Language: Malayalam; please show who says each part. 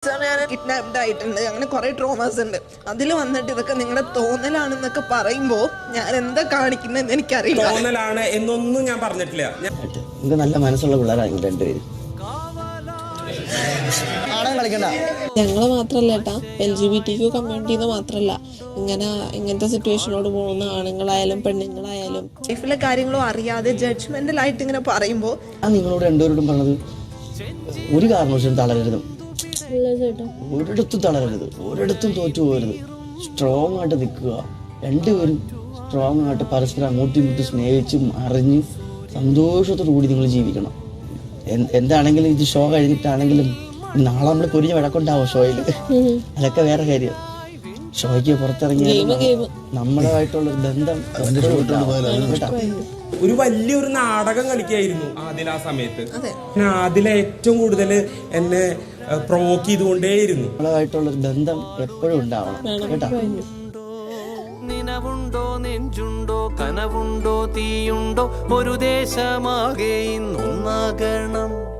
Speaker 1: ഞാൻ കിഡ്നാപ്ഡ് ആയിട്ടുണ്ട്, അങ്ങനെ കുറെ ട്രോമാസ് ഉണ്ട്. അതിൽ വന്നിട്ട് ഇതൊക്കെ നിങ്ങളുടെ തോന്നലാണെന്നൊക്കെ പറയുമ്പോ ഞാൻ എന്താ കാണിക്കുന്നതെന്ന് എനിക്കറിയില്ല.
Speaker 2: തോന്നലാണ് എന്നൊന്നും ഞാൻ പറഞ്ഞിട്ടില്ല.
Speaker 3: നിങ്ങൾക്ക് നല്ല മനസ്സുള്ള പിള്ളേരാണ് രണ്ടുപേരും.
Speaker 4: ഞങ്ങള് മാത്രല്ല ഏട്ടാ, LGBTQ കമ്മ്യൂണിറ്റിന്ന് മാത്രല്ല, ഇങ്ങനത്തെ സിറ്റുവേഷനോട് പോകുന്ന ആണുങ്ങളായാലും പെണ്ണുങ്ങളായാലും
Speaker 1: ലൈഫിലെ കാര്യങ്ങളും അറിയാതെ ജഡ്ജ്മെന്റൽ ആയിട്ട് ഇങ്ങനെ പറയുമ്പോ
Speaker 3: നിങ്ങളോട് രണ്ടുപേരോടും പറഞ്ഞത് ഒരു കാരണവശാലും തളരരുത്, ഒരിടത്തും തളരരുത്, ഒരിടത്തും തോറ്റു പോകരുത്. സ്ട്രോങ് ആയിട്ട് നിൽക്കുക. രണ്ടുപേരും സ്ട്രോങ് ആയിട്ട് പരസ്പരം അങ്ങോട്ടും ഇങ്ങോട്ടും സ്നേഹിച്ചും അറിഞ്ഞ് സന്തോഷത്തോടു കൂടി നിങ്ങൾ ജീവിക്കണം. എന്താണെങ്കിലും ഇത് ഷോ കഴിഞ്ഞിട്ടാണെങ്കിലും നാളെ നമ്മൾ പൊരിഞ്ഞ വഴക്കുണ്ടാവും ഷോയിൽ, അതൊക്കെ വേറെ കാര്യം. ഷോയ്ക്ക് പുറത്തിറങ്ങിയ നമ്മുടെതായിട്ടുള്ളൊരു ബന്ധം
Speaker 2: ഒരു വലിയൊരു നാടകം കളിക്കായിരുന്നു ആദില ആ സമയത്ത്. ആദില ഏറ്റവും കൂടുതൽ എന്നെ പ്രൊവോക്ക് ചെയ്തുകൊണ്ടേയിരുന്നു.
Speaker 3: നമ്മളതായിട്ടുള്ളൊരു ബന്ധം എപ്പോഴും ഉണ്ടാവണം കേട്ടോ.
Speaker 5: നിനവുണ്ടോ നെഞ്ചുണ്ടോ കനവുണ്ടോ തീയുണ്ടോ ഒരു ദേശമാകെ ഇന്നൊന്നാകണം.